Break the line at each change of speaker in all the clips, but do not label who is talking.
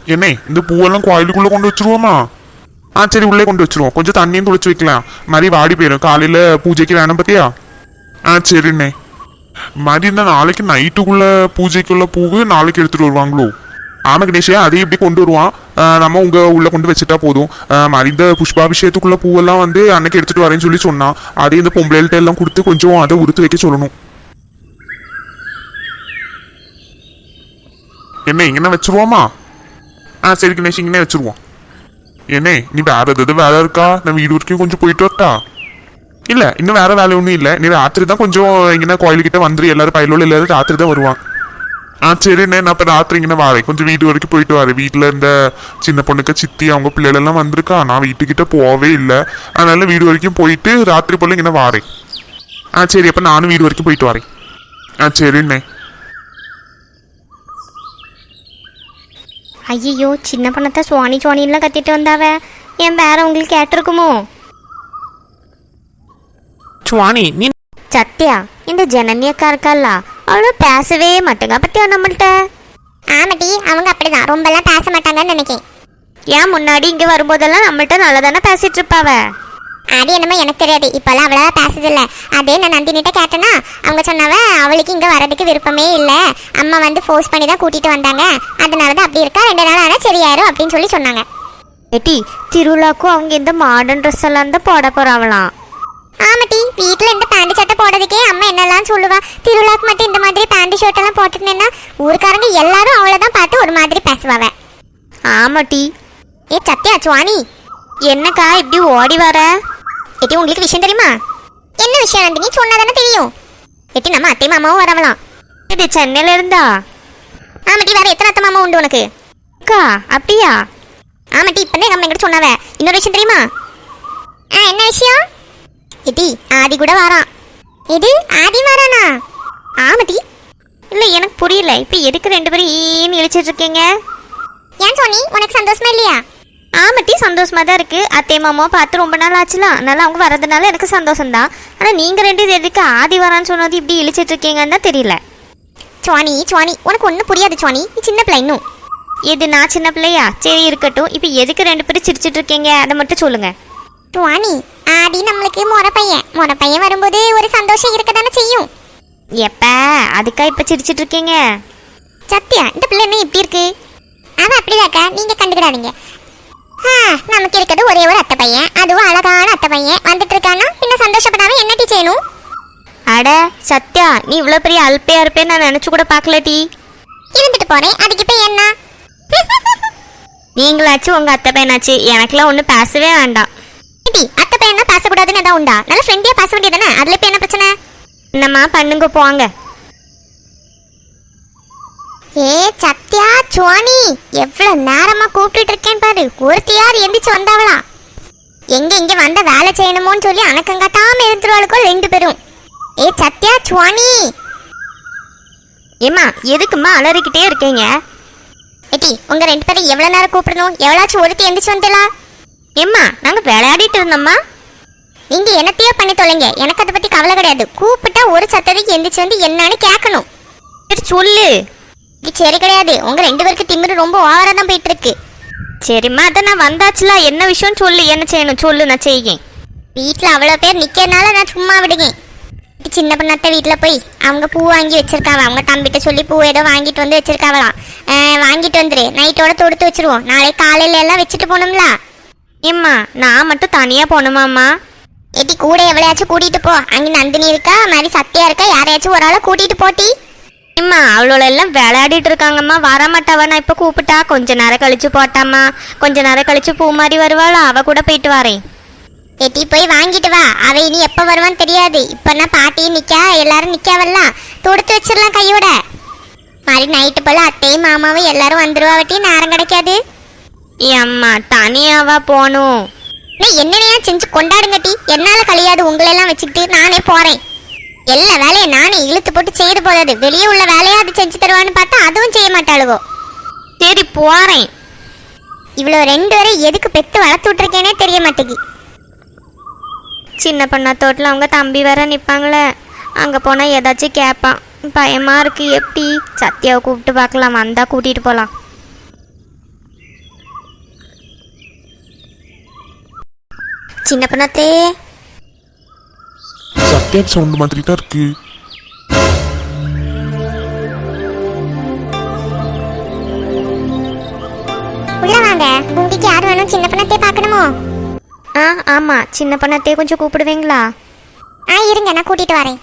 என்ன இந்த பூவெல்லாம் கோயிலுக்குள்ள கொண்டு வச்சிருவோமா? சரி, உள்ளே கொண்டு வச்சிருவோம். கொஞ்சம் தண்ணியும் துளைச்சு வைக்கலாம், மாதிரி வாடி போயிடும். காலையில பூஜைக்கு வேணும் பத்தியா? சரிண்ணே. மாதிரி இந்த நாளைக்கு நைட்டுக்குள்ள பூஜைக்குள்ள பூவு நாளைக்கு எடுத்துட்டு வருவாங்களோ? ஆமா கணேஷே, அதையும் இப்படி கொண்டு வருவான். நம்ம உள்ள கொண்டு வச்சுட்டா போதும். மாதிரி இந்த புஷ்பாபிஷேகத்துக்குள்ள பூவெல்லாம் வந்து அன்னைக்கு எடுத்துட்டு வரேன்னு சொல்லி சொன்னான். அதே இந்த பொம்பளைகிட்ட எல்லாம் கொடுத்து கொஞ்சம் அதை உறுத்து வைக்க சொல்லணும். என்ன இங்கே வச்சிருவோமா? சரி கணேஷ், இங்கே வச்சிருவோம். என்ன நீ வேற எதாவது வேலை இருக்கா? நான் வீடு வரைக்கும் கொஞ்சம் போயிட்டு வரட்டா? இல்லை, இன்னும் வேற வேலை ஒன்றும் இல்லை. நீ ராத்திரி தான் கொஞ்சம் இங்கே கோயிலுக்கிட்ட வந்துரு. எல்லாரும் பயிலோடு எல்லாரும் ராத்திரி தான் வருவான். சரிண்ணே, நான் இப்போ ராத்திரி இங்கே வரேன். கொஞ்சம் வீடு வரைக்கும் போயிட்டு வரேன். வீட்டில் இந்த சின்ன பொண்ணுக்கு சித்தி அவங்க பிள்ளைகளெல்லாம் வந்திருக்கா. நான் வீட்டுக்கிட்ட போகவே இல்லை. அதனால வீடு வரைக்கும் போயிட்டு ராத்திரி போல இங்கே வரேன். சரி, அப்போ நானும் வீடு வரைக்கும் போயிட்டு வரேன். சரிண்ணே.
ஐயோ, சின்ன பொண்ணத்தை சுவானிலாம் கத்திட்டு வந்தாவ. என் பேர உங்களுக்கு கேட்டிருக்குமோ?
சுவானி நீ
சத்யா, இந்த ஜனனி அக்கா இருக்கல்ல, அவளும் பேசவே மாட்டேங்க பத்தியா நம்மள்கிட்ட.
ஆமாட்டி, அவங்க அப்படிதான் ரொம்பலாம் பேச மாட்டாங்கன்னு நினைக்கிறேன்.
ஏன் முன்னாடி இங்கே வரும்போதெல்லாம் நம்மள்கிட்ட நல்லா தானே பேசிட்டு இருப்பாவ.
அது என்னமோ எனக்கு தெரியாது, இப்பெல்லாம் அவ்வளவா பேசுதில்ல. அதே நான் நந்தினிட்ட கேட்டேன்னா அவங்க சொன்னவ அவளுக்கு இங்கே வரதுக்கு விருப்பமே இல்லை, அம்மா வந்து ஃபோர்ஸ் பண்ணி தான் கூட்டிட்டு வந்தாங்க, அதனால தான் அப்படி இருக்கா, 2 நாள் ஆனால் சரியாயிரும் அப்படின்னு சொல்லி சொன்னாங்க.
ஏட்டி, திருவிழாக்கும் அவங்க இந்த மாடர்ன் ட்ரெஸ் எல்லாம் தான் போட போறாங்களாம்.
ஆமாட்டி, வீட்டில் இந்த பேண்ட் சட்டை போடுறதுக்கே அம்மா என்னெல்லாம் சொல்லுவா. திருவிழாக்கு மட்டும் இந்த மாதிரி பேண்ட் ஷர்ட் எல்லாம் போட்டுட்டேன்னா ஊருக்காரங்க எல்லாரும் அவளைதான் பார்த்து ஒரு மாதிரி பேசுவாவ.
ஆமாட்டி.
சத்யா, சுவானி,
என்னக்கா இப்படி ஓடி வர?
எட்டி, உங்களுக்கு விஷயம் தெரியுமா? என்ன விஷயம் நந்தினி? சொன்னாதானே தெரியும். எட்டி, நம்ம அத்தை மாமாவும் வரவலாம்.
இது சென்னையில இருந்தா?
ஆமாட்டி, வேற எத்தனை அத்தை மாமா உண்டு உனக்கு?
அக்கா அப்படியா?
ஆமாட்டி, இப்பதான் நம்ம எங்கிட்ட சொன்னாவ. இன்னொரு விஷயம் தெரியுமா? என்ன விஷயம்? எட்டி, ஆதி கூட வாரான். இது ஆதி வாரானா? ஆமாட்டி.
இல்லை, எனக்கு புரியல. இப்போ எதுக்கு 2 பேரும் ஈன்னு இழிச்சிட்டு இருக்கீங்க?
ஏன் சொன்னி, உனக்கு சந்தோஷமா இல்லையா?
ஆமாட்டி, சந்தோஷமா தான் இருக்கு. அத்தை மாமாவை பார்த்து ரொம்ப நாள் ஆச்சுலாம், அதனால அவங்க வரதுனால எனக்கு சந்தோஷம்தான். ஆனால் நீங்கள் 2 எதுக்கு ஆதி வரான்னு சொன்னது இப்படி இழிச்சிட்டு இருக்கீங்கன்னு தான் தெரியல.
சுவானி, உனக்கு ஒன்றும் புரியாது சுவானி, நீ சின்ன பிள்ளை இன்னும்.
இது நான் சின்ன பிள்ளையா? சரி இருக்கட்டும். இப்போ எதுக்கு 2 பேரும் சிரிச்சிட்டு இருக்கீங்க அதை மட்டும் சொல்லுங்க.
சுவானி, ஆதி நம்மளுக்கு முறை பையன் வரும்போது ஒரு சந்தோஷம் இருக்க தானே செய்யும்.
எப்ப அதுக்கா இப்போ சிரிச்சிட்டு இருக்கீங்க?
சத்யா, இந்த பிள்ளை என்ன இப்படி இருக்கு? அவன் அப்படிதாக்கா, நீங்க கண்டுக்கிடாதீங்க. நமக்கு இருக்கிறது ஒரே ஒரு அத்தை பையன், அதுவும் அழகான அத்தை பையன் வந்துட்டு இருக்கானா, இன்னும் சந்தோஷப்படாம என்ன டீ செய்யணும்?
அட சத்யா, நீ இவ்வளோ பெரிய அல்பையா இருப்பேன்னு நான் நினச்சி கூட பார்க்கல டீ.
இருந்துட்டு போறேன், அதுக்கு இப்போ என்ன?
நீங்களாச்சும் உங்கள் அத்தை பையனாச்சு, எனக்குலாம் ஒன்றும் பேசவே வேண்டாம்.
அத்தை பையனா பேசக்கூடாதுன்னு எதாவது உண்டா? நல்ல ஃப்ரெண்டியா பேச வேண்டியதானே, அதுல இப்போ என்ன பிரச்சனை?
என்னம்மா பண்ணுங்க போங்க.
சத்யா, சுவானி, எவ்வளவு நேரமா கூப்பிட்டு இருக்கேன் பாரு. ஒருத்தியார் எந்திரிச்சு வந்தாவளா? இங்க வந்த வேலை செய்யணுமோன்னு சொல்லி அணக்கங்காட்டாம இருந்துருவாளுக்கோ 2 பேரும். சத்யா, சுவானி.
ஏம்மா எதுக்கும்மா அலறிக்கிட்டே இருக்கீங்க?
ஏட்டி, உங்க 2 பேரும் எவ்வளவு நேரம் கூப்பிடணும்? எவ்வளாச்சும் ஒருத்தி எந்திரிச்சு வந்துடலாம்.
ஏம்மா நாங்கள் விளையாடிட்டு இருந்தோம்மா.
நீங்க என்னத்தையோ பண்ணி தொலைங்க, எனக்கு அதை பத்தி கவலை கிடையாது. கூப்பிட்டா ஒரு சத்தத்துக்கு எந்திரிச்சு வந்து என்னன்னு கேட்கணும்.
சரி சொல்லு.
சரி கிடையாது, உங்க 2 பேருக்கு திமிரு ரொம்ப ஓவரா தான் போயிட்டு இருக்கு.
சரிம்மா, அதை நான் வந்தாச்சுல, என்ன விஷயம் சொல்லு, என்ன செய்யணும் சொல்லு, நான் செய்யேன்.
வீட்டுல அவ்வளவு பேர் நிக்கிறனால நான் சும்மா விடுங்க. சின்ன பொண்ணாத்த வீட்டுல போய் அவங்க பூ வாங்கி வச்சிருக்காவ. அவங்க தம்பிட்ட சொல்லி பூ ஏதோ வாங்கிட்டு வந்து வச்சிருக்காவலாம். வாங்கிட்டு வந்துரு, நைட்டோட தொடுத்து வச்சிருவோம். நாளைக்கு காலையில எல்லாம் வச்சுட்டு போனோம்ல.
ஏம்மா நான் மட்டும் தனியா போகணுமாம்மா?
ஏட்டி, கூட எவ்வளையாச்சும் கூட்டிட்டு போ. அங்க நந்தினி இருக்கா, மாதிரி சத்தியா இருக்கா, யாரையாச்சும் ஒரு ஆளை கூட்டிட்டு போட்டி.
ஏம்மா அவளோட எல்லாம் விளையாடிட்டு இருக்காங்கம்மா, வரமாட்டாவா? நான் இப்போ கூப்பிட்டா கொஞ்ச நேரம் கழிச்சு போட்டாம்மா, கொஞ்ச நேரம் கழிச்சு பூ மாதிரி வருவாளா, அவ கூட போயிட்டு வரேன்.
ஏட்டி, போய் வாங்கிட்டு வா. அவ இனி எப்ப வருவான்னு தெரியாது. இப்பன்னா பாட்டியும் நிக்கா, எல்லாரும் நிக்காவெல்லாம் தொடுத்து வச்சிடலாம் கையோட. மாதிரி நைட்டு போல அத்தையும் மாமாவும் எல்லாரும் வந்துருவாவட்டி, நேரம் கிடைக்காது.
அம்மா தனியாவா போகணும்?
என்னனையா செஞ்சு கொண்டாடுங்கட்டி, என்னால கழியாது உங்களெல்லாம் வச்சுக்கிட்டு. நானே போறேன். எல்லா வேலையை நானே இழுத்து போட்டு செய்து போதாது. வெளியே உள்ள வேலையா அது செஞ்சு தருவான்னு பார்த்தா அதுவும் செய்ய மாட்டாளுவோ.
சரி போறேன்.
இவ்வளோ 2 பேரும் எதுக்கு பெத்து வளர்த்து விட்டுருக்கேனே தெரிய மாட்டேங்கி.
சின்ன பண்ணா தோட்டில் அவங்க தம்பி வேற நிற்பாங்களே, அங்கே போனால் ஏதாச்சும் கேட்பான். பயமாக இருக்குது. எப்படி? சத்யாவை கூப்பிட்டு பார்க்கலாம், வந்தால் கூட்டிகிட்டு போகலாம். சின்ன பொண்ணாத்தே.
சத்யா சவுண்ட் மாதிரி தான் இருக்கு.
உள்ள வாங்க. உங்களுக்கு யார் வேணும்? சின்ன பொண்ணாத்தே பார்க்கணுமோ?
ஆமாம், சின்ன பொண்ணாத்தே கொஞ்சம் கூப்பிடுவீங்களா?
இருங்க, நான் கூட்டிட்டு வரேன்.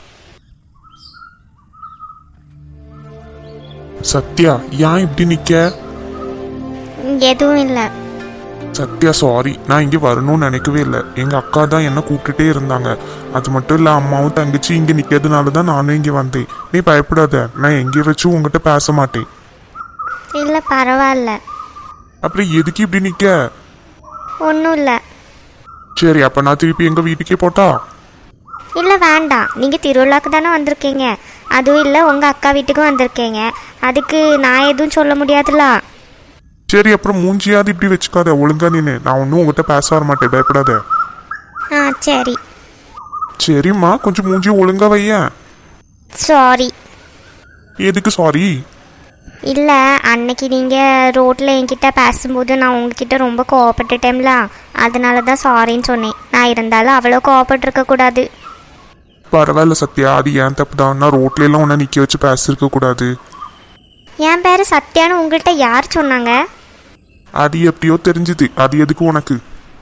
சத்யா, ஏன் இப்படி நிக்க?
எதுவும் இல்லை.
சத்யா சாரி, நான் இங்கே வரணும்னு நினைக்கவே இல்லை. எங்கள் அக்கா தான் என்ன கூப்பிட்டுட்டே இருந்தாங்க. அது மட்டும் இல்லை, அம்மாவும் தங்கச்சி இங்கே நிற்கிறதுனால தான் நானும் இங்கே வந்தேன். நீ பயப்படாத, நான் எங்கே வச்சும் உங்ககிட்ட பேச மாட்டேன்.
இல்லை பரவாயில்ல.
அப்புறம் எதுக்கு இப்படி நிற்க?
ஒன்றும் இல்லை.
சரி, அப்போ நான் திருப்பி எங்கள் வீட்டுக்கே போட்டா?
இல்லை வேண்டாம், நீங்கள் திருவிழாக்கு தானே வந்திருக்கீங்க. அதுவும் இல்லை உங்கள் அக்கா வீட்டுக்கும் வந்திருக்கீங்க. அதுக்கு நான் எதுவும் சொல்ல முடியாதுல்ல.
சரி, அப்புறம் மூஞ்சியாவது இப்படி வச்சுக்காத, ஒழுங்கா நின்று. நான் ஒன்றும் உங்ககிட்ட பேச வர மாட்டேன், பயப்படாத.
சரி.
சரிம்மா, கொஞ்சம் மூஞ்சி ஒழுங்கா வையேன்.
சாரி.
எதுக்கு சாரி?
இல்லை, அன்னைக்கு நீங்கள் ரோட்டில் என்கிட்ட பேசும்போது நான் உங்ககிட்ட ரொம்ப கோவப்பட்டுட்டேன்ல, அதனால தான் சாரின்னு சொன்னேன். நான் இருந்தாலும் அவ்வளோ கோவப்பட்டிருக்கக்கூடாது.
பரவாயில்ல சத்யா, அது ஏன் தப்பு தான். நான் ரோட்ல எல்லாம் உன்னை நிற்க வச்சு பேசிருக்க கூடாது.
என் பேர் சத்யான்னு உங்கள்கிட்ட யார் சொன்னாங்க?
அது எப்படியோ தெரிஞ்சுது. அது எதுக்கு உனக்கு?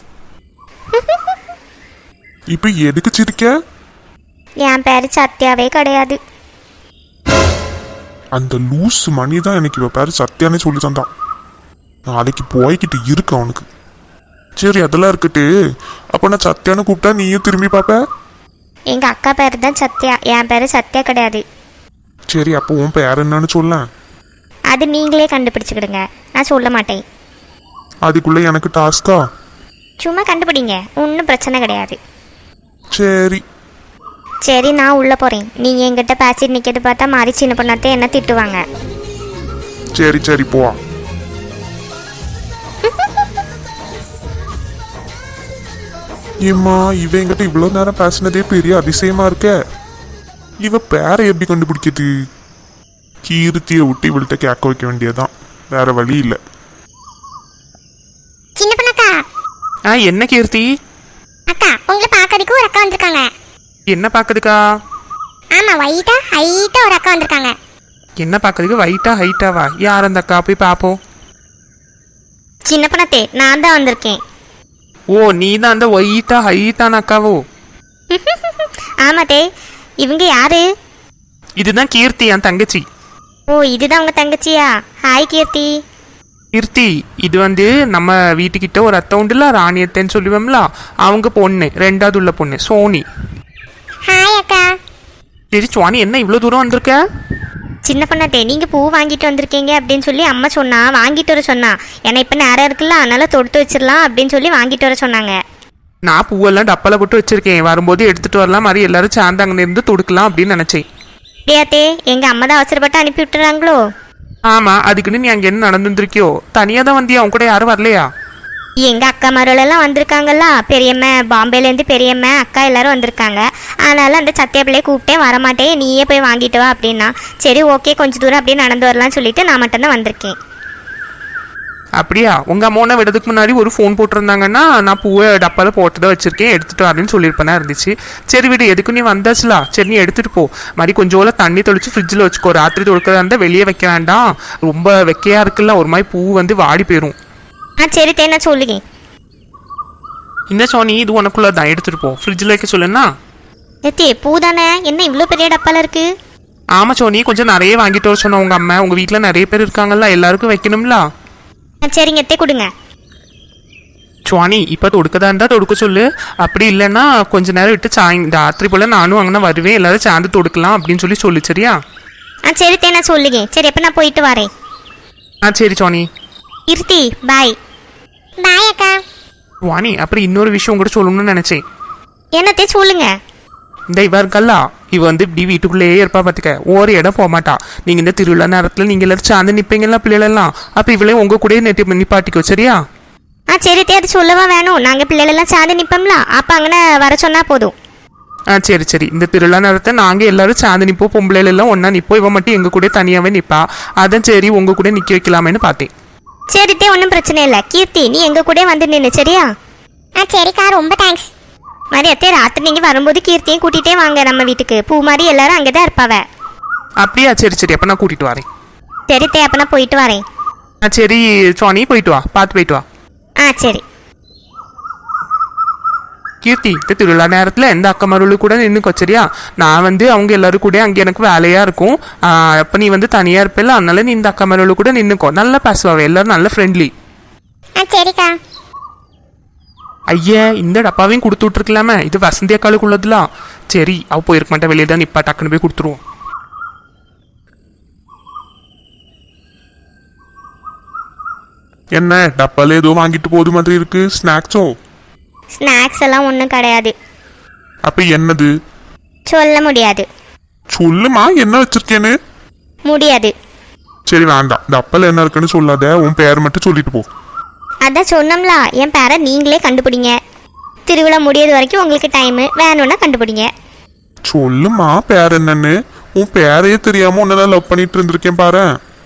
இப்ப எதுக்கு சிரிக்க?
என் பேர் சத்யாவே கிடையாது.
அந்த லூஸ் மணி தான் எனக்கு இவ பேரு சத்யானே சொல்லி தந்தான். நாளைக்கு போய்கிட்டு இருக்கு அவனுக்கு. சரி, அதெல்லாம் இருக்கட்டு. அப்ப நான் சத்யான்னு கூப்பிட்டா நீயும் திரும்பி பாப்ப?
எங்கள் அக்கா பேர் தான் சத்யா, என் பேர் சத்யா கிடையாது.
சரி, அப்போ உன் பேர் என்னன்னு சொல்ல.
அது நீங்களே கண்டுபிடிச்சிக்கிடுங்க, நான் சொல்ல மாட்டேன்.
அதுக்குள்ள எனக்கு டாஸ்கா?
சும்மா கண்டுபிடிங்க, ஒன்றும் பிரச்சனை கிடையாது.
சரி
சரி, நான் உள்ளே போகிறேன். நீங்கள் எங்கிட்ட பேசிட்டு நிற்கிறது பார்த்தா மாதிரி சின்ன பொண்ணாத்தே என்ன திட்டுவாங்க.
சரி சரி போ. ஏம்மா, இவ என்கிட்ட இவ்வளோ நேரம் பேசினதே பெரிய அதிசயமா இருக்க. இவ பேரை எப்படி கண்டுபிடிக்குது? கீர்த்தியை விட்டு இவள்கிட்ட கேட்க வைக்க வேண்டியதான், வேற வழி இல்லை.
சின்ன பொண்ணக்கா.
என்ன கீர்த்தி?
அக்கா, உங்களை பார்க்கறதுக்கு ஒரு அக்கா வந்திருக்காங்க.
என்ன பார்க்கறதுக்கா?
ஆமா, ஹைட்டா ஒரு அக்கா வந்திருக்காங்க.
என்ன பார்க்கறதுக்கு? வைட்டா ஹைட்டாவா? யார் அந்த அக்கா? போய் பார்ப்போம்.
சின்ன பொண்ணாத்தே, நான் தான் வந்திருக்கேன்.
ஓ, நீ தான் அந்த ஒயிட்டா ஹைட்டான அக்காவோ?
ஆமாத்தே. இவங்க யாரு?
இதுதான் கீர்த்தி, என் தங்கச்சி.
ஓ, இதுதான் உங்கள் தங்கச்சியா? ஹாய் கீர்த்தி.
கீர்த்தி, இது வந்து நம்ம வீட்டுக்கிட்ட ஒரு அத்தை உண்டுல, ராணியத்தைன்னு சொல்லுவோம்ல, அவங்க பொண்ணு, ரெண்டாவது உள்ள பொண்ணு சோனி.
ஹாய் அக்கா.
சரி சுவானி, என்ன இவ்வளோ தூரம் வந்திருக்க?
சின்ன பொண்ணாத்தே, நீங்கள் பூ வாங்கிட்டு வந்திருக்கீங்க அப்படின்னு சொல்லி அம்மா சொன்னா, வாங்கிட்டு வர சொன்னா. ஏன்னா இப்போ நேரம் இருக்குல்ல, அதனால தொடுத்து வச்சிடலாம் அப்படின்னு சொல்லி வாங்கிட்டு வர சொன்னாங்க.
நான் பூவெல்லாம் டப்பால போட்டு வச்சிருக்கேன், வரும்போது எடுத்துட்டு வரலாம், மாதிரி எல்லாரும் சேர்ந்து அங்கே இருந்து தொடுக்கலாம் அப்படின்னு நினைச்சேன்.
அப்படியாத்தே, எங்கள் அம்மா தான் அவசரப்பட்டு அனுப்பி விட்டுறாங்களோ?
ஆமா, அதுக்குன்னு நீ அங்கே என்ன நடந்துருக்கியோ? தனியாக தான் வந்தியா? அவங்க கூட யாரும் வரலையா?
எங்கள் அக்கா மருளெல்லாம் வந்திருக்காங்கல்ல, பெரியம்மா பாம்பேலேருந்து பெரியம்மா அக்கா எல்லாரும் வந்திருக்காங்க. அதனால அந்த சத்திய பிள்ளையை கூப்பிட்டேன், வரமாட்டேன், நீயே போய் வாங்கிட்டு வா அப்படின்னா. சரி ஓகே, கொஞ்சம் தூரம் அப்படியே நடந்து வரலாம்னு சொல்லிட்டு நான் மட்டும்தான் வந்திருக்கேன்.
அப்படியா? உங்க அம்மாவை விடதுக்கு முன்னாடி ஒரு ஃபோன் போட்டிருந்தாங்கன்னா நான் பூவை டப்பால போட்டு தான் வச்சிருக்கேன், எடுத்துட்டு வரேன்னு சொல்லியிருப்பேனா இருந்துச்சு. சரி விடு, எதுக்கு நீ வந்தாச்சுல, சரி நீ எடுத்துட்டு போ. மாதிரி கொஞ்சோல தண்ணி தெளிச்சு ஃப்ரிட்ஜில் வச்சுக்கோ. ராத்திரி தொடுக்கிறதா இருந்தால் வெளியே வைக்க வேண்டாம், ரொம்ப வெக்கையா இருக்குல்ல, ஒரு மாதிரி பூ வந்து வாடி போயிடும்.
சரி தேனா சொல்லுங்க.
இந்த சோனி, இது உனக்குள்ள தான், எடுத்துட்டு போ. ஃப்ரிட்ஜில் வைக்க சொல்லுன்னா.
எத்தே, பூ தானே, என்ன இவ்வளோ பெரிய டப்பால இருக்கு?
ஆமா சோனி, கொஞ்சம் நிறைய வாங்கிட்டு வர சொன்ன உங்க அம்மா. உங்க வீட்டில் நிறைய பேர் இருக்காங்கல்ல, எல்லாருக்கும் வைக்கணும்ல.
சரிங்க எத்தே, கொடுங்க.
சுவானி, இப்போ தொடுக்கதா இருந்தால் தொடுக்க சொல்லு. அப்படி இல்லைன்னா கொஞ்ச நேரம் விட்டு ராத்திரி போல் நானும் அங்கே வருவேன், எல்லாரும் சேர்ந்து தொடுக்கலாம் அப்படின்னு சொல்லு. சரியா?
சரி தேனா சொல்லுங்க. சரி, அப்போ நான் போயிட்டு வரேன்.
சரி சுவானி.
கீர்த்தி பாய்.
பாய் அக்கா.
சுவானி, அப்புறம் இன்னொரு விஷயம் உங்கள்கிட்ட சொல்லணும்னு நினச்சேன்.
என்னத்தே சொல்லுங்க.
இந்த இவ இருக்கல்லா, இவ வந்து இப்படி வீட்டுக்குள்ளேயே இருப்பா, பார்த்துக்க, ஒரு இடம் போக மாட்டா. நீங்கள் இந்த திருவிழா நேரத்தில் நீங்கள் எல்லாரும் சேர்ந்து நிற்பீங்களா பிள்ளைகளெல்லாம், அப்போ இவளே உங்கள் கூட நிப்பாட்டிக்கோ. சரியா?
சரி தே, அது சொல்லவா வேணும், நாங்கள் பிள்ளைகளெல்லாம் சேர்ந்து நிற்போம்ல, அப்போ அங்கே வர சொன்னால் போதும்.
சரி சரி. இந்த திருவிழா நேரத்தை நாங்கள் எல்லாரும் சேர்ந்து நிற்போம், பொம்பளைகள் எல்லாம் ஒன்றா நிற்போம். இவன் மட்டும் எங்கள் கூட தனியாகவே நிற்பா. அதான் சரி உங்கள் கூட நிற்க வைக்கலாமேன்னு பார்த்தேன்.
சரி தே, ஒன்றும் பிரச்சனை இல்லை. கீர்த்தி, நீ எங்கள் கூட வந்து நின்று. சரியா?
சரிக்கா, ரொம்ப தேங்க்ஸ்.
மாதிரி அத்தையே ராத்திரி நீங்கள் வரும்போது கீர்த்தியும் கூட்டிகிட்டே வாங்க நம்ம வீட்டுக்கு. பூ மாதிரி எல்லாரும் அங்கே தான் இருப்பாவ.
அப்படியா? சரி சரி, அப்போ நான் கூட்டிகிட்டு வரேன்.
சரி தே, அப்போ நான் போயிட்டு வரேன்.
சரி சுவாணி, போயிட்டு வா, பார்த்து போயிட்டு வா.
சரி.
கீர்த்தி, இந்த திருவிழா நேரத்தில் எந்த அக்கமருளு கூட நின்றுக்கோ சரியா? நான் அவங்க எல்லாரும் கூட அங்கே எனக்கு வேலையாக இருக்கும். அப்போ நீ தனியாக இருப்பில்ல, அதனால நீ இந்த அக்கமருளு கூட நின்றுக்கோ. நல்லா பேசுவாங்க எல்லாரும், நல்ல ஃப்ரெண்ட்லி.
சரிக்கா.
ஐயா, இந்த டப்பாவையும் கொடுத்து விட்ருக்கலாமே, இது வசந்தி அக்காளுக்கு உள்ளதுலாம். சரி, அவள் போயிருக்க மாட்டா, வெளியே தான் நிப்பா, டக்குன்னு போய் கொடுத்துருவோம்.
என்ன டப்பால ஏதோ வாங்கிட்டு போது மாதிரி இருக்கு? ஸ்நாக்ஸோ?
ஸ்நாக்ஸ் எல்லாம் ஒன்றும் கிடையாது.
அப்ப என்னது?
சொல்ல முடியாது.
சொல்லுமா, என்ன வச்சிருக்கேன்னு.
முடியாது.
சரி வேண்டாம், டப்பால என்ன இருக்குன்னு சொல்லாத, உன் பேர் மட்டும் சொல்லிட்டு போ.
அதான் சொன்னோம்ல, என் பேரை நீங்களே கண்டுபிடிங்க. திருவிழா முடியறது வரைக்கும் உங்களுக்கு டைமு, வேணும்னா கண்டுபிடிங்க.
சொல்லுமா பேர் என்னன்னு. உன் பேரையே தெரியாம உன்ன லவ் பண்ணிட்டு இருந்திருக்கேன் பாரு.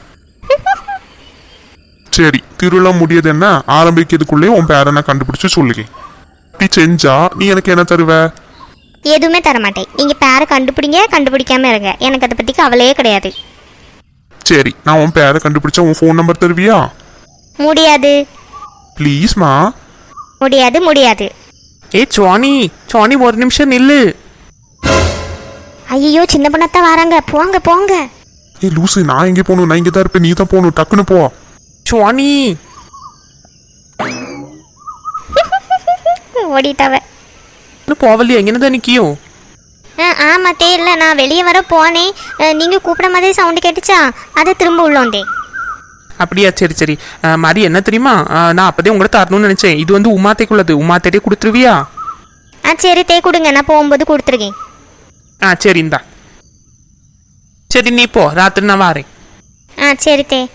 சரி, திருவிழா முடியாது என்ன ஆரம்பிக்கிறதுக்குள்ளே உன் பேரை நான் கண்டுபிடிச்சு சொல்லுங்க. இப்படி செஞ்சா நீ எனக்கு என்ன தருவ?
எதுவுமே தரமாட்டேன். நீங்கள் பேரை கண்டுபிடிங்க, கண்டுபிடிக்காம இருங்க, எனக்கு அதை பற்றி கவலையே கிடையாது.
சரி, நான் உன் பேரை கண்டுபிடிச்சா உன் ஃபோன் நம்பர் தருவியா?
முடியாது.
ப்ளீஸ்மா.
முடியாது முடியாது.
சுவாணி, சுவாணி ஒரு நிமிஷம் நில்லு.
ஐயோ, சின்ன பொண்ணத்தான் வராங்க, போங்க போங்க.
லூசு, நான் எங்கே போகணும்? நான் இங்கே தான் இருப்பேன், நீ தான் போகணும், டக்குன்னு போ.
சுவாணி
ஓடிட்டவ.
போவலையா? எங்கன்னு நிற்கியோ?
ஆமாம் தெரியல, நான் வெளியே வர போனேன். நீங்கள் கூப்பிட மாதிரி சவுண்டு கேட்டுச்சா, அதை திரும்ப உள்ள வந்தேன்.
அப்படியா? சரி சரி. மாதிரி என்ன தெரியுமா, நான் அப்போதே உங்கள்கிட்ட தரணும்னு நினச்சேன். இது உமாத்தைக்குள்ளது, உமாத்தே கொடுத்துருவியா?
சரி தே, கொடுங்க, நான் போகும்போது கொடுத்துருக்கேன்.
சரி இந்தா. சரி நீ போ, ராத்திரி நான் வரேன்.
சரி தே.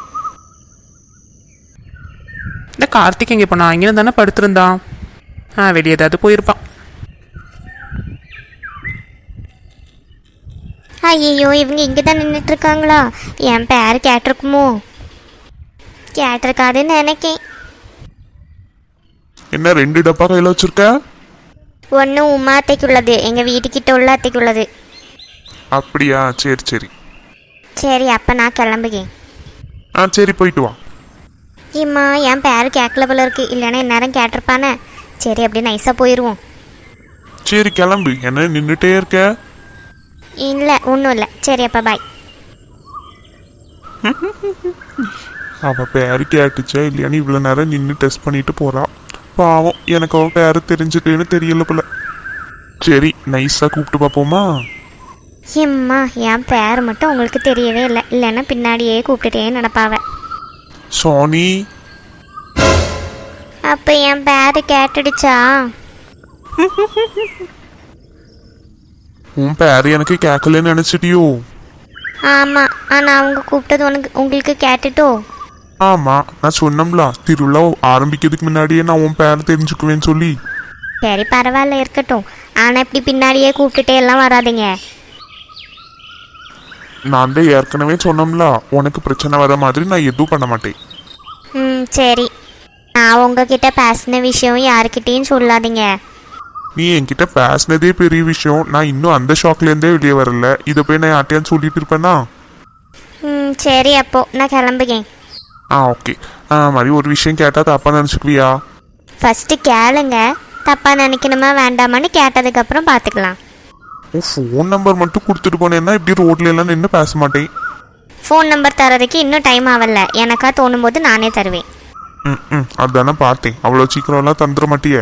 இந்த கார்த்திக் எங்கே போனா? இங்கே தானே படுத்திருந்தான். வெளியே ஏதாவது போயிருப்பான்.
ஐயோ, இவங்க இங்கே தான் நின்றுட்டு இருக்காங்களா? என் பேர் கேட்டிருக்குமோ? கேட்டிருக்காதுன்னு நினைக்கேன்.
என்ன 2 டப்பா கையில் வச்சிருக்க?
ஒன்று உமா அத்தைக்குள்ளது, எங்கள் வீட்டுக்கிட்ட உள்ள அத்தைக்குள்ளது.
அப்படியா? சரி சரி.
சரி, அப்போ நான் கிளம்புகேன்.
சரி, போயிட்டு வா.
இம்மா, என் பேர் கேட்கல போல இருக்கு, இல்லைன்னா இந்நேரம் கேட்டிருப்பானே. சரி, அப்படியே நைஸாக போயிடுவோம்.
சரி கிளம்பு, என்ன நின்றுட்டே இருக்க?
இல்லை, ஒன்றும் இல்லை. சரி, அப்போ பாய்.
அவ பேரு கேட்டுச்சா இல்லையான்னு இவ்வளோ நேரம் நின்று டெஸ்ட் பண்ணிட்டு போறா. பாவம், எனக்கு அவள் பேரு தெரிஞ்சுக்கலன்னு தெரியல போல. சரி, நைஸாக கூப்பிட்டு பார்ப்போமா?
இம்மா, என் பேர் மட்டும் உங்களுக்கு தெரியவே இல்லை, இல்லைன்னா பின்னாடியே கூப்பிட்டுட்டே நடப்பாவ.
சோனி.
அப்போ என் பேர் கேட்டுடுச்சா?
உன் பேரு எனக்கு கேட்கலன்னு நினச்சிட்டியோ?
ஆமாம், ஆனால் அவங்க கூப்பிட்டது உங்களுக்கு கேட்டுட்டோ?
ஆமாம், நான் சொன்னோம்ல திருவிழா ஆரம்பிக்கிறதுக்கு முன்னாடியே நான் உன் பேரை தெரிஞ்சுக்குவேன்னு சொல்லி.
சரி, பரவாயில்ல, இருக்கட்டும். ஆனால் இப்படி பின்னாடியே கூப்பிட்டுட்டே எல்லாம் வராதிங்க.
நான் தான் ஏற்கனவே சொன்னோம்ல, உனக்கு பிரச்சனை வர மாதிரி நான் எதுவும் பண்ண மாட்டேன்.
சரி. நான் உங்ககிட்ட பேசின விஷயம் யாருக்கிட்டேயும் சொல்லாதீங்க.
நீ என்கிட்ட பேசினதே பெரிய விஷயம். நான் இன்னும் அந்த ஷாக்லேருந்தே வெளியே வரல. இதை போய் நான் யார்ட்டையான்னு சொல்லிட்டு இருப்பேனா?
சரி, அப்போ நான் கிளம்புகேன்.
ஓகே. மாதிரி ஒரு விஷயம் கேட்டால் தப்பாக நினச்சிக்குவியா?
ஃபஸ்ட்டு கேளுங்க, தப்பாக நினைக்கணுமா வேண்டாமான்னு கேட்டதுக்கப்புறம் பார்த்துக்கலாம்.
ஃபோன் நம்பர் மட்டும் கொடுத்துட்டு போனேன்னா இப்படி ரோட்ல எல்லாம் நின்று பேச மாட்டேன்.
ஃபோன் நம்பர் தரதுக்கு இன்னும் டைம் ஆகல, எனக்கா தோணும் போது நானே தருவேன்.
அதுதானே பார்த்தேன். அவ்வளோ சீக்கிரம்லாம் தந்துட மாட்டியே.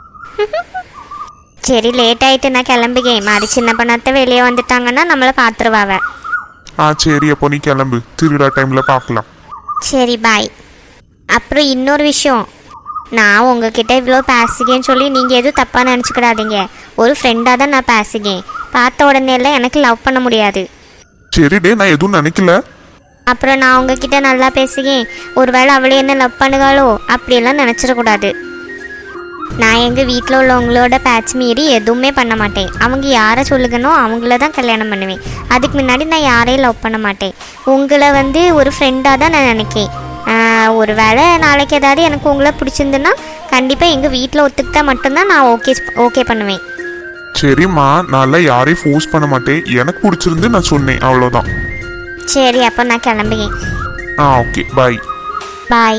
சரி, லேட் ஆயிட்டு நான் கிளம்புகேன். மாதிரி சின்ன பண்ணத்தை வெளியே வந்துட்டாங்கன்னா நம்மளை பார்த்துருவாவ.
சரி, அப்போ நீ கிளம்பு, திருவிழா டைமில் பார்க்கலாம்.
சரி, பாய். அப்புறம் இன்னொரு விஷயம், நான் உங்ககிட்ட இவ்வளோ பேசுகேன்னு சொல்லி நீங்கள் எதுவும் தப்பாக நினச்சிக்கிடாதீங்க. ஒரு ஃப்ரெண்டாக தான் நான் பேசுகேன். பார்த்த உடனே எல்லாம் எனக்கு லவ் பண்ண முடியாது.
சரி டே, நான் எதுவும் நினைக்கல.
அப்புறம் நான் உங்ககிட்ட நல்லா பேசுகேன், ஒருவேளை அவளே என்ன லவ் பண்ணுகாளோ அப்படியெல்லாம் நினச்சிடக்கூடாது. நான் எங்கள் வீட்டில் உள்ளவங்களோட பேட்ச் மீறி எதுவுமே பண்ண மாட்டேன். அவங்க யாரை சொல்லுகனோ அவங்கள தான் கல்யாணம் பண்ணுவேன். அதுக்கு முன்னாடி நான் யாரையும் லவ் பண்ண மாட்டேன். உங்களை ஒரு ஃப்ரெண்டாக தான் நான் நினைக்கேன். ஒரு வேளை நாளைக்கு ஏதாவது எனக்கு உங்களை பிடிச்சிருந்துன்னா கண்டிப்பாக எங்கள் வீட்டில் ஒத்துக்கிட்டா மட்டும்தான் நான் ஓகே பண்ணுவேன்.
சரிம்மா, நான் யாரையும் ஃபோர்ஸ் பண்ண மாட்டேன். எனக்கு பிடிச்சிருந்து நான் சொன்னேன், அவ்வளோதான்.
சரி, அப்போ நான் கிளம்புகிறேன்.
ஓகே, பாய்.
பாய்.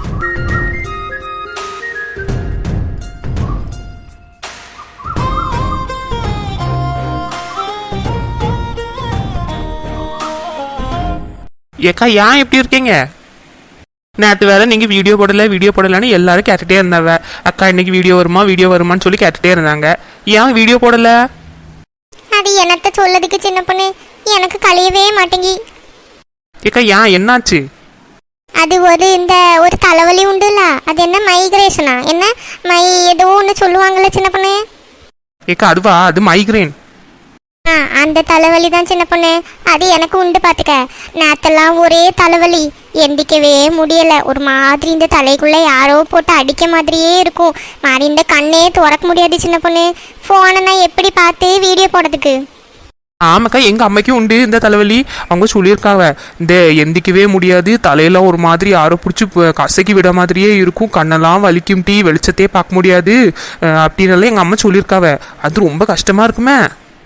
ஏக்கா ஏன் எப்படி இருக்கீங்க? நேற்று வேற நீங்கள் வீடியோ போடலைன்னு எல்லாரும் கேட்டுகிட்டே இருந்தாங்க. அக்கா இன்னைக்கு வீடியோ வருமான்னு சொல்லி கேட்டுகிட்டே இருந்தாங்க. ஏன் வீடியோ போடலை?
அது என்னத்த சொல்லதுக்கு சின்ன பொண்ணு, எனக்கு கழியவே மாட்டேங்கி.
ஏக்கா ஏன் என்னாச்சு?
அது ஒரு தலைவலி உண்டுல, அது என்ன மைக்ரேஷனா என்ன ஏதோ ஒன்று சொல்லுவாங்கல்ல சின்ன பொண்ணு.
ஏக்கா அதுவா, அது மைக்ரேன்.
அந்த தலைவலி தான் சின்ன பொண்ணு, அது எனக்கு உண்டு பார்த்துக்க. நேத்தெல்லாம் ஒரே தலைவலி, எந்திக்கவே முடியல. ஒரு மாதிரி இந்த தலைக்குள்ள யாரோ போட்டு அடிக்க மாதிரியே இருக்கும். மாதிரி இந்த கண்ணே திறக்க முடியாது சின்ன பொண்ணு. ஃபோனை நான் எப்படி பார்த்து வீடியோ போடுறதுக்கு?
ஆமாக்கா, எங்கள் அம்மைக்கும் உண்டு இந்த தலைவலி. அவங்க சொல்லியிருக்காங்க, இந்த எந்திக்கவே முடியாது, தலையெல்லாம் ஒரு மாதிரி யாரோ பிடிச்சி கசக்கி விட மாதிரியே இருக்கும், கண்ணெல்லாம் வலிக்கும், வெளிச்சத்தையே பார்க்க முடியாது அப்படின்னால எங்கள் அம்மா சொல்லியிருக்காவ. அது ரொம்ப கஷ்டமாக இருக்குமே.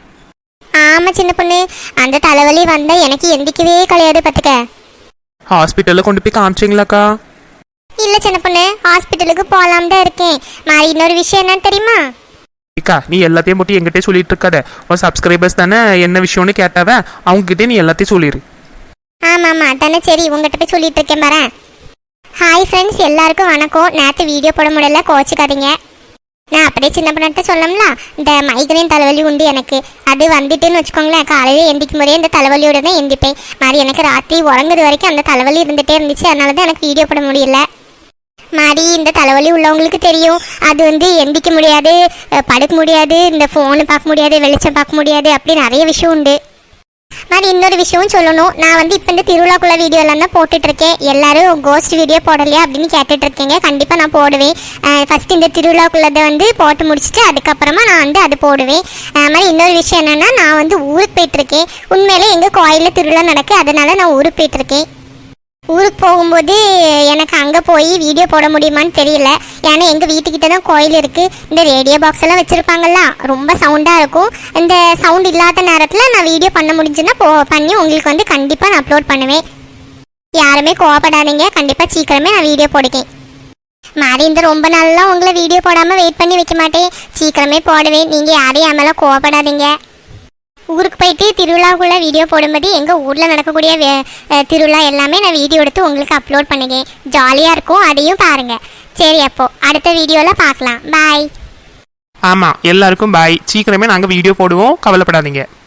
ஆமாம் சின்ன பொண்ணு, அந்த தலைவலி வந்தால் எனக்கு எந்திக்கவே கிடையாது பார்த்துக்க.
ஹாஸ்பிட்டலில் கொண்டு போய் காமிச்சிங்களாக்கா?
இல்லை சின்ன பொண்ணு, ஹாஸ்பிட்டலுக்கு போகலாம் தான் இருக்கேன். மாதிரி இன்னொரு விஷயம் என்னன்னு தெரியுமா?
அக்கா நீ எல்லாத்தையும் போட்டு எங்கிட்டே சொல்லிட்டு இருக்காத. உன் சப்ஸ்கிரைபர்ஸ் தானே என்ன விஷயம்னு கேட்டாவ, அவங்ககிட்டே நீ எல்லாத்தையும் சொல்லிடு.
ஆமாம் தானே, சரி உங்கள்கிட்ட போய் சொல்லிட்டு இருக்கேன் பாரு. ஹாய் ஃப்ரெண்ட்ஸ், எல்லாருக்கும் வணக்கம். நேற்று வீடியோ போட முடியல, கோச்சிக்காதீங்க. நான் அப்படியே சின்ன பொண்ணுகிட்ட சொல்லணும்ல, இந்த மைக்ரேன் தலைவலி உண்டு எனக்கு. அது வந்துட்டுன்னு வச்சுக்கோங்களேன், காலையில் எந்திக்கும் முறையே இந்த தலைவலியோட தான் எந்திப்பேன். மாதிரி எனக்கு ராத்திரி உறங்குறது வரைக்கும் அந்த தலைவலி இருந்துகிட்டே இருந்துச்சு. அதனால தான் எனக்கு வீடியோ போட முடியல. மாதிரி இந்த தலைவலி உள்ளவங்களுக்கு தெரியும், அது எந்திக்க முடியாது, படுக்க முடியாது, இந்த ஃபோனு பார்க்க முடியாது, வெளிச்சம் பார்க்க முடியாது, அப்படி நிறைய விஷயம் உண்டு. மாதிரி இன்னொரு விஷயமும் சொல்லணும். நான் இப்போ இந்த திருவிழாக்குள்ள வீடியோலாம் தான் போட்டுட்ருக்கேன். எல்லாரும் கோஸ்ட் வீடியோ போடலையா அப்படின்னு கேட்டுட்ருக்கீங்க. கண்டிப்பாக நான் போடுவேன். ஃபஸ்ட்டு இந்த திருவிழாக்குள்ளதை போட்டு முடிச்சுட்டு அதுக்கப்புறமா நான் அது போடுவேன். மாதிரி இன்னொரு விஷயம் என்னென்னா, நான் ஊருக்கு போயிட்டுருக்கேன். உண்மையிலே எங்கள் கோயிலில் திருவிழா நடக்கு, அதனால் நான் ஊருக்கு போயிட்டுருக்கேன். ஊருக்கு போகும்போது எனக்கு அங்கே போய் வீடியோ போட முடியுமான்னு தெரியல. ஏன்னா எங்கள் வீட்டுக்கிட்ட தான் கோயில் இருக்குது. இந்த ரேடியோ பாக்ஸ் எல்லாம் வச்சுருப்பாங்கல்ல, ரொம்ப சவுண்டாக இருக்கும். இந்த சவுண்ட் இல்லாத நேரத்தில் நான் வீடியோ பண்ண முடிஞ்சுன்னா பண்ணி உங்களுக்கு கண்டிப்பாக நான் அப்லோட் பண்ணுவேன். யாருமே கோவப்படாதீங்க, கண்டிப்பாக சீக்கிரமே நான் வீடியோ போடுவேன். மாதிரி இந்த ரொம்ப நாளெலாம் உங்களை வீடியோ போடாமல் வெயிட் பண்ணி வைக்க மாட்டேன், சீக்கிரமே போடுவேன். நீங்கள் யாரையும் என் மேலே கோவப்படாதீங்க. ஊருக்கு போயிட்டு திருவிழாக்குள்ளே வீடியோ போடும்போது எங்கள் ஊரில் நடக்கக்கூடிய திருவிழா எல்லாமே நான் வீடியோ எடுத்து உங்களுக்கு அப்லோட் பண்ணுவேன். ஜாலியாக இருக்கும், அதையும் பாருங்கள். சரி, அப்போது அடுத்த வீடியோவில் பார்க்கலாம். பாய்.
ஆமாம், எல்லாருக்கும் பாய். சீக்கிரமே நாங்கள் வீடியோ போடுவோம், கவலைப்படாதீங்க.